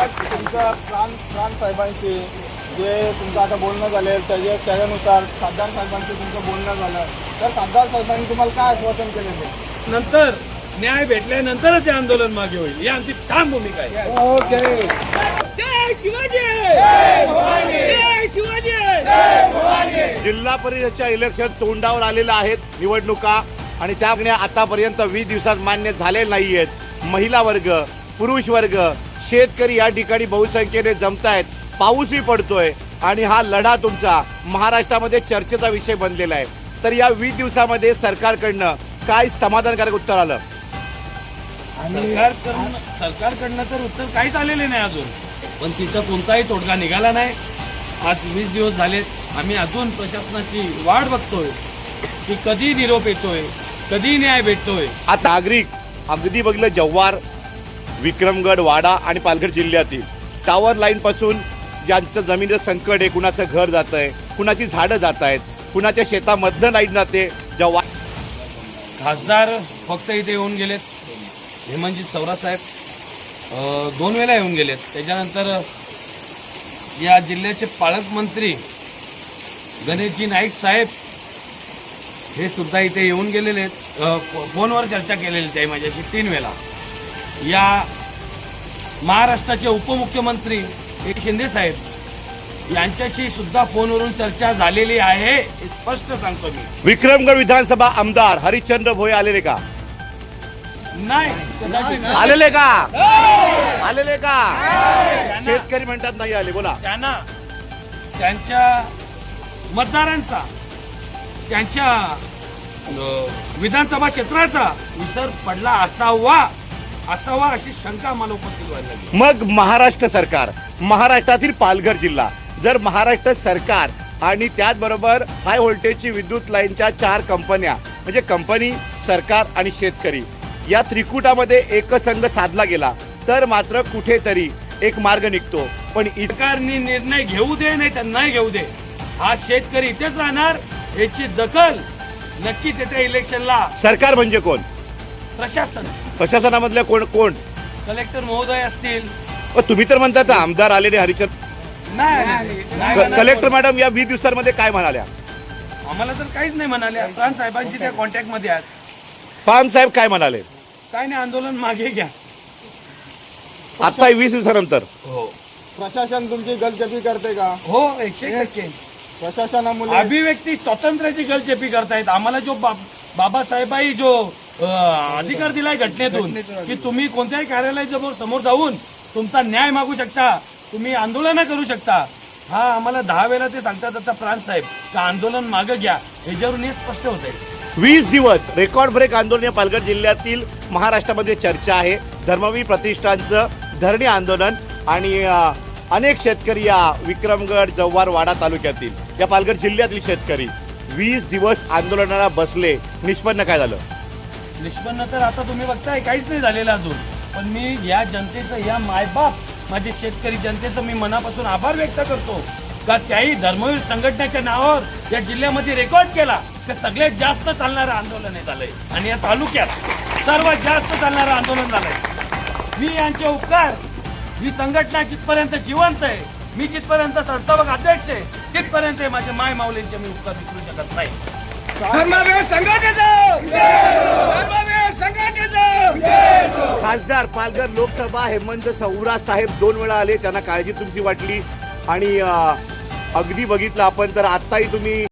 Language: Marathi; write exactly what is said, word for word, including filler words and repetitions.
आज तुमचं प्राण प्राण साहेबांशी जे तुमचं आता बोलणं झालं त्याच्या त्याच्यानुसार खासदार साहेबांशी तुमचं बोलणं झालं, तर खासदार साहेबांनी तुम्हाला काय आश्वासन केलेलं? नंतर न्याय भेटल्यानंतरच हे आंदोलन मागे होईल, ही आमची ठाम भूमिका आहे. ओके. जय शिवाजी, जय शिवाजी. जिल्हा परिषदच्या इलेक्शन तोंडावर आलेल्या आहेत निवडणुका, आणि त्यामुळे आतापर्यंत वीस दिवसात मान्य झाले नाही आहेत. महिला वर्ग, पुरुष वर्ग, शेतकरी या ठिकाणी बहुसंख्येने जमतायत, पाऊसही पडतोय, आणि हा लढा तुमचा महाराष्ट्रामध्ये चर्चेचा विषय बनलेला आहे. तर या वीस दिवसामध्ये सरकारकडनं काय समाधानकारक उत्तर आलं? सरकारकडनं सरकारकडनं तर उत्तर काहीच आलेले नाही अजून, पण तिथं कोणताही तोडगा निघाला नाही. आज वीस दिवस झालेत, आम्ही अजून प्रशासनाची वाट बघतोय की कधी निरोप येतोय, कधी न्याय भेटतोय. आता नागरिक अगदी बघितलं जव्हार, विक्रमगड, वाडा आणि पालघर जिल्ह्यातील टावर लाईन पासून ज्यांचं जमिनीचं संकट आहे, कुणाचं घर जात आहे, कुणाची झाडं जात आहेत, कुणाच्या शेतामधनं लाईट जाते. जव्हार खासदार फक्त इथे येऊन गेलेत, हेमंतजी सवरा साहेब दोन वेळा येऊन गेलेत. त्याच्यानंतर या जिल्ह्याचे पालकमंत्री गणेशजी नाईक साहेब हे सुद्धा इथे येऊन गेलेले आहेत. फोनवर चर्चा केलेली आहे माझ्याशी तीन वेळा. या महाराष्ट्राचे उपमुख्यमंत्री एकनाथ शिंदे साहेब यांच्याशी सुद्धा फोनवरून चर्चा झालेली आहे, हे स्पष्ट सांगतो मी. विक्रमगड विधानसभा आमदार हरिश्चंद्र भोये आलेले का? नाही आलेले का? आलेले का? शेतकरी म्हणतात नाही आले. बोला. त्यांना त्यांच्या मतदारांचा, त्यांच्या विधानसभा क्षेत्राचा विसर पडला असावा असावा अशी शंका मला उपस्थित व्हायला लागली. मग महाराष्ट्र सरकार, महाराष्ट्रातील पालघर जिल्हा, जर महाराष्ट्र सरकार आणि त्याचबरोबर हाय व्होल्टेजची विद्युत लाईनच्या चार कंपन्या, म्हणजे कंपनी, सरकार आणि शेतकरी, या त्रिकुटामध्ये एकसंघ साधला गेला तर मात्र कुठेतरी एक मार्ग निघतो. पण सरकारने निर्णय घेऊ दे नाही तर नाही घेऊ दे, हा शेतकरी इथेच राहणार याची दखल नक्कीच येत्या इलेक्शनला. सरकार म्हणजे कोण? प्रशासन, प्रशासनामधल्या कोण कोण? कलेक्टर महोदय असतील. तुम्ही तर म्हणतात आमदार आलेले हरिचंद्र. नाही, कलेक्टर मॅडम या वीस दिवसांमध्ये काय म्हणाल्या? आम्हाला तर काहीच नाही म्हणाल्या. प्राण साहेबांशी त्या कॉन्टॅक्ट मध्ये आहेत. पान साहेब काय म्हणाले? काय नाही, आंदोलन मागे घ्या. आता वीस दिवसानंतर हो प्रशासन तुमची गलचेपी करते का? हो, एकशे टक्के प्रशासनामुळे अभिव्यक्ती स्वातंत्र्याची गलचेपी करतायत. आम्हाला जो बाबासाहेबांनी जो अधिकार दिलाय घटनेतून की तुम्ही कोणत्याही कार्यालयाच्या समोर जाऊन तुमचा न्याय मागू शकता, तुम्ही आंदोलन करू शकता, हा आम्हाला दहा वेळा ते सांगतात आता प्राण साहेब का आंदोलन मागे घ्या, ह्याच्यावरून हे स्पष्ट होत आहे. वीस दिवस रेकॉर्ड ब्रेक आंदोलन या पालघर जिल्ह्यातील महाराष्ट्रामध्ये चर्चा आहे. धर्मवीर प्रतिष्ठानचं धरणी आंदोलन आणि अनेक शेतकरी या विक्रमगड, जव्हार, वाडा तालुक्यातील या पालघर जिल्ह्यातील शेतकरी वीस दिवस आंदोलनाला बसले. निष्पन्न काय झालं? निष्पन्न तर आता तुम्ही बघताय काहीच नाही झालेलं अजून. पण मी या जनतेचं, या मायबाप माझे शेतकरी जनतेचं मी मनापासून आभार व्यक्त करतो का त्याही धर्मवीर संघटनेच्या नावावर या जिल्ह्यामध्ये रेकॉर्ड केला तर सगळ्यात जास्त चालणारं आंदोलन हे झालंय, आणि या तालुक्यात सर्वात जास्त चालणारं आंदोलन झालंय. मी यांचे उपकार, ही संघटना जिथपर्यंत जिवंत आहे, मी जिथपर्यंत संस्थापक अध्यक्ष आहे, तिथपर्यंत माझे माय माऊलींचे मी उपकार विसरू शकत नाही. खासदार पालघर लोकसभा हेमंत सवरा साहेब दोन वेळा आले, त्यांना काळजी तुमची वाटली, आणि अगदी बघितलं आपण तर आत्ताही तुम्ही